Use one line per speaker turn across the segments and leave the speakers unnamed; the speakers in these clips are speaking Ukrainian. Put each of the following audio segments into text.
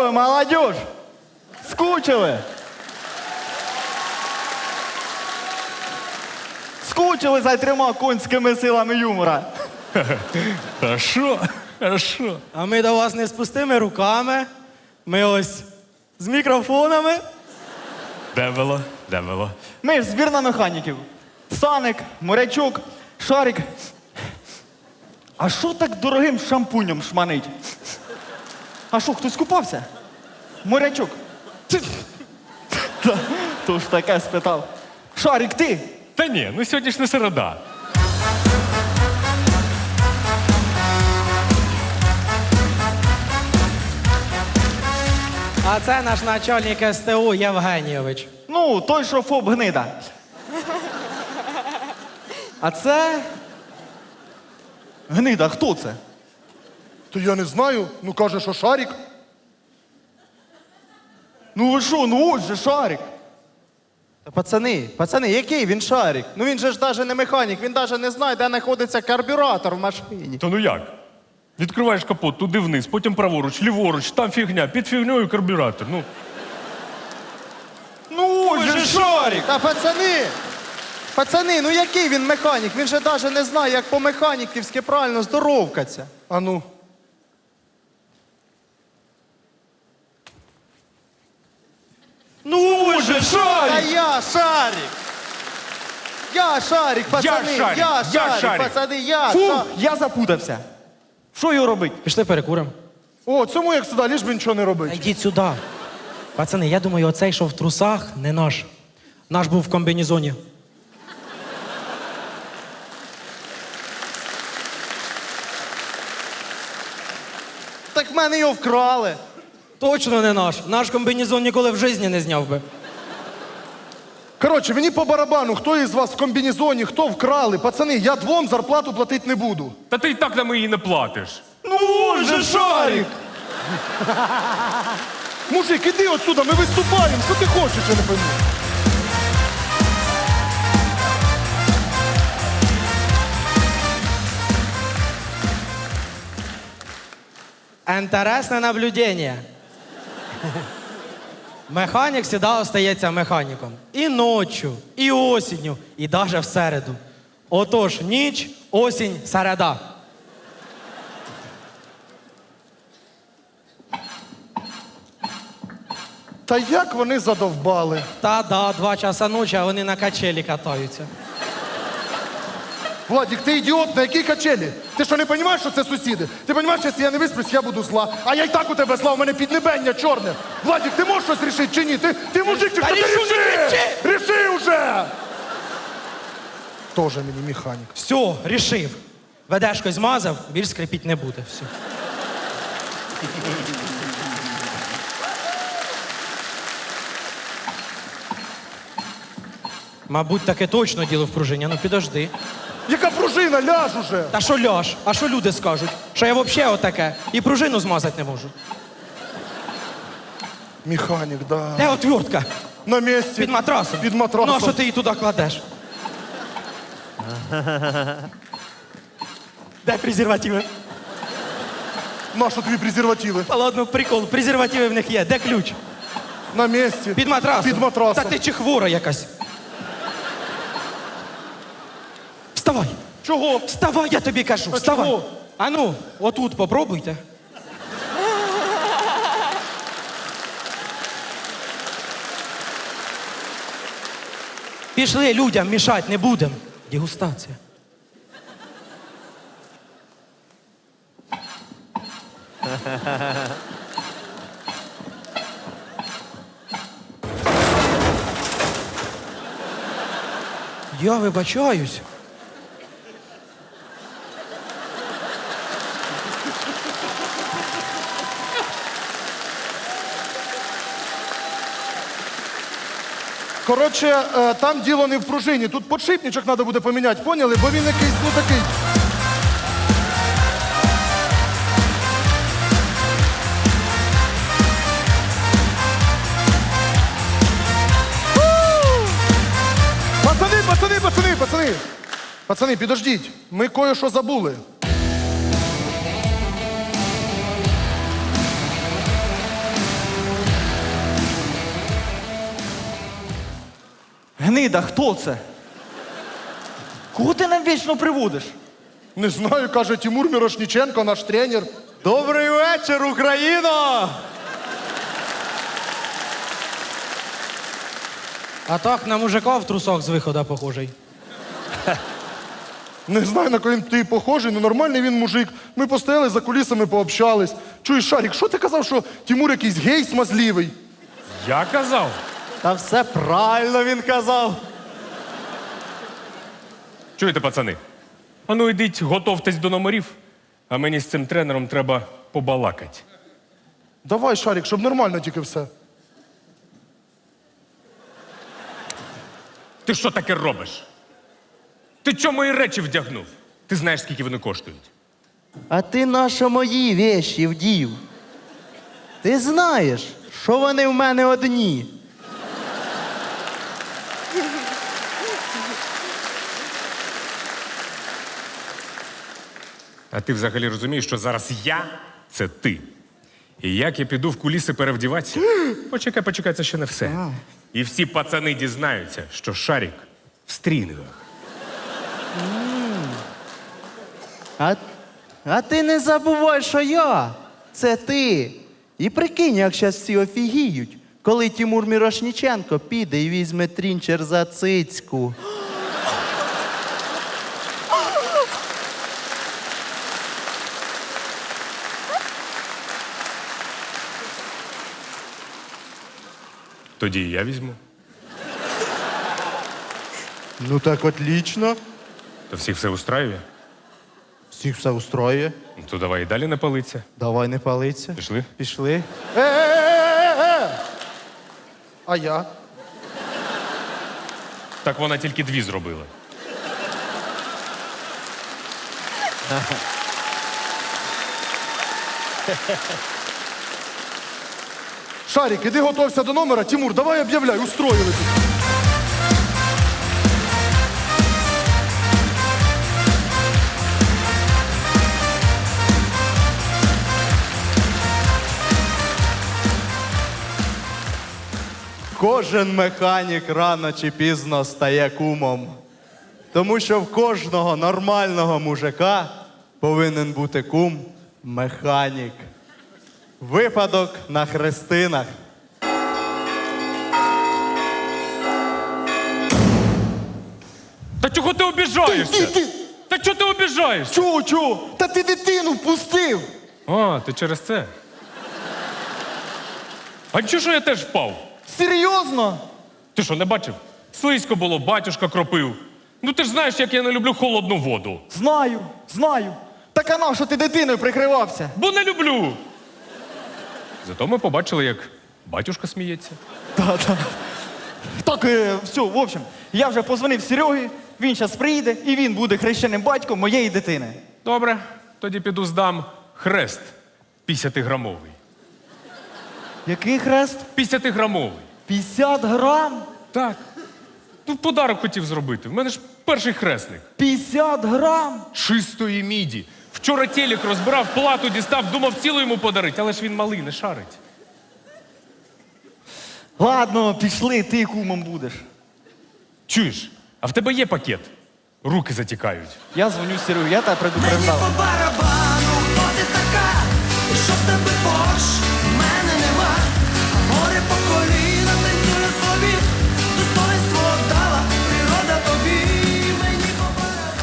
ви, молодіж? Скучили? Скучили за 3 конськими силами юмора?
Хорошо, хорошо.
А ми до вас не з пустими руками. Ми ось з мікрофонами.
Де було? Де було?
Ми ж збірна механіків. Саник, Морячук, Шарик. А що так дорогим шампунем шманить? А що, хтось купався? Морячук. То ж таке спитав. Шарик, ти?
Та ні, ну сьогодні ж не середа.
А це наш начальник СТУ Євгенійович.
Ну, той, що ФОП гнида. А це... Гнида, хто це?
То я не знаю. Ну, каже, що Шарик.
Ну ви що, ну ось же Шарик.
Та пацани, який він Шарик? Ну він же ж навіть не механік, він навіть не знає, де знаходиться карбюратор в машині.
То ну як? Відкриваєш капот, туди вниз, потім праворуч, ліворуч, там фігня, під фігньою карбюратор. Ну,
Ну ось же Шарик.
Та пацани, ну який він механік? Він же навіть не знає, як по-механіківськи правильно здоровкаться.
А ну.
Ну ось же
Та
Шарик.
я Шарик! Я Шарик, пацани!
Шарик,
Я
я
Шарик,
Шарик.
пацани, я
Фу,
Шарик!
я запутався. Що його робить?
Пішли перекуримо.
О, цьому як сюди, ліж би нічого не
Та
робить.
йдіть сюди. Пацани, я думаю, оцей, що в трусах, не наш. Наш був в комбінезоні.
Так в мене його вкрали.
Точно не наш. Наш комбінезон ніколи в житті не зняв би.
Коротше, мені по барабану, хто із вас в комбінезоні, хто вкрали. Пацани, я 2 зарплату платити не буду.
та ти і так нам її не платиш.
Ну ось же Шарик.
Мужик, іди отсюда, ми виступаємо. Що ти хочеш, я не пойму.
Інтересне наблюдення. Механік завжди остається механіком. І ночі, і осінню, і навіть в середу. Отож, ніч, осінь, середа.
Та як вони задовбали?
Та да, 2 часа ночі, а вони на качелі катаються.
Владик, ти ідіот, на якій качелі? Ти що, не розумієш, що це сусіди? Ти розумієш, якщо я не висплюсь, я буду зла. А я й так у тебе зла, у мене піднебення чорне. Владик, ти можеш щось рішити чи ні? Ти мужик, чи
Та
хто ти
рішу, не
ріши! Ріши уже! Тоже мені механік.
Все, рішив. Ведешко змазав, більш скрипіть не буде. Все. Мабуть, таке точно діло в пружині. Ну підожди.
Яка пружина, ляж уже!
Та що ляж? А що люди скажуть? Що я взагалі отаке і пружину змазати не можу.
Механік, да.
Де отвертка?
На місці.
Під матрасом.
Під матрасом.
Ну, а що ти її туди кладеш? Де презервативи?
Нащо тобі презервативи?
Та ладно, прикол, презервативи в них є. Де ключ?
На місці.
Під матрасом.
Під матрасом.
Та ти чи хвора якась? Вставай!
Чого?
Вставай, я тобі кажу,
А
вставай.
чого?
А ну, отут попробуйте. Пішли, людям мішати не будемо. Дегустація. Я вибачаюсь.
Коротше, там діло не в пружині. Тут подшипничок треба буде поміняти, поняли? Бо він якийсь, ну такий. Пацани, підождіть. Ми кое-що забули.
гнида, хто це? Кого ти нам вічно приводиш?
Не знаю, каже Тимур Мірошніченко, наш тренер.
Добрий вечір, Україно!
А так на мужика в трусах з виходу похожий.
Не знаю, на кого ти похожий, але нормальний він мужик. Ми постояли за кулісами, пообщались. Чуєш, Шарік, що ти казав, що Тимур якийсь гей смазливий?
Я казав.
Та все правильно він казав.
Чуєте, пацани? А ну йдіть, готовтесь до номерів, а мені з цим тренером треба побалакати.
Давай, Шарік, щоб нормально тільки все.
Ти що таке робиш? Ти чому мої речі вдягнув? Ти знаєш, скільки вони коштують?
А ти наші мої вещі вдів. Ти знаєш, що вони в мене одні.
А ти взагалі розумієш, що зараз я – це ти. І як я піду в куліси перевдіватися? Почекай, це ще не все. І всі пацани дізнаються, що Шарік в стрінгах.
А ти не забувай, що я – це ти. І прикинь, як зараз всі офігіють, коли Тимур Мірошніченко піде і візьме трінчер за цицьку.
Тоді і я візьму.
Ну так отлично.
То всіх все устраює?
Всіх все устроює.
Ну, то давай і далі не палиться.
Давай не палиться.
Пішли?
Пішли.
А я?
Так вона тільки дві зробила.
Шарік, іди готовся до номера. Тимур, давай об'являй, устроїли тут.
Кожен механік рано чи пізно стає кумом. Тому що в кожного нормального мужика повинен бути кум-механік. Випадок на хрестинах.
Та чого ти обіжаєшся? Та чого ти обіжаєшся?
Чого? Та ти дитину впустив!
А, ти через це. А чого ж я теж впав?
Серйозно?
Ти що, не бачив? Слизько було, батюшка кропив. Ну ти ж знаєш, як я не люблю холодну воду.
Знаю. Так а на що ти дитиною прикривався?
Бо не люблю. Зато ми побачили, як батюшка сміється.
Так, все, в общем, я вже позвонив Серегі, він зараз прийде і він буде хрещеним батьком моєї дитини.
Добре, тоді піду здам хрест 50-грамовий.
Який хрест?
50-грамовий.
50 грам?
Так. Ну, подарок хотів зробити. В мене ж перший хресник.
50 грам?
Чистої міді. Вчора телек розбирав, плату дістав, думав цілу йому подарити, але ж він малий, не шарить.
Ладно, пішли, ти кумом будеш.
Чуєш, а в тебе є пакет? Руки затікають.
Я дзвоню Серегі, я тебе
Мені
предупреждав.
по барабану, хто ти така, і що в тебе Порш, в мене нема. А море по коліна танцює собі, достоинство дала природа тобі. Мені по барабану.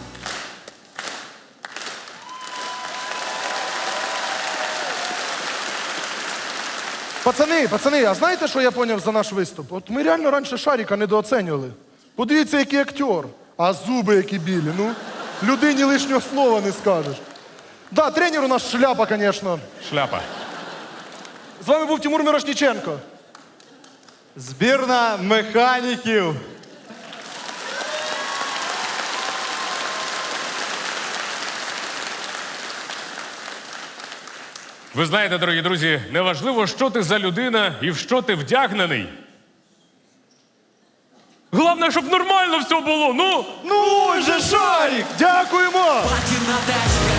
Пацани, а знаєте, що я поняв за наш виступ? От ми реально раніше Шаріка недооцінювали. Подивіться, який актер. А зуби які білі. Ну, людині лишнього слова не скажеш. Да, тренер у нас шляпа, звісно.
Шляпа.
З вами був Тимур Мірошніченко.
Збірна механіків.
Ви знаєте, дорогі друзі, неважливо, що ти за людина і в що ти вдягнений. Головне, щоб нормально все було, ну!
Ну же, Шарік!
Дякуємо!
Патіна дечка,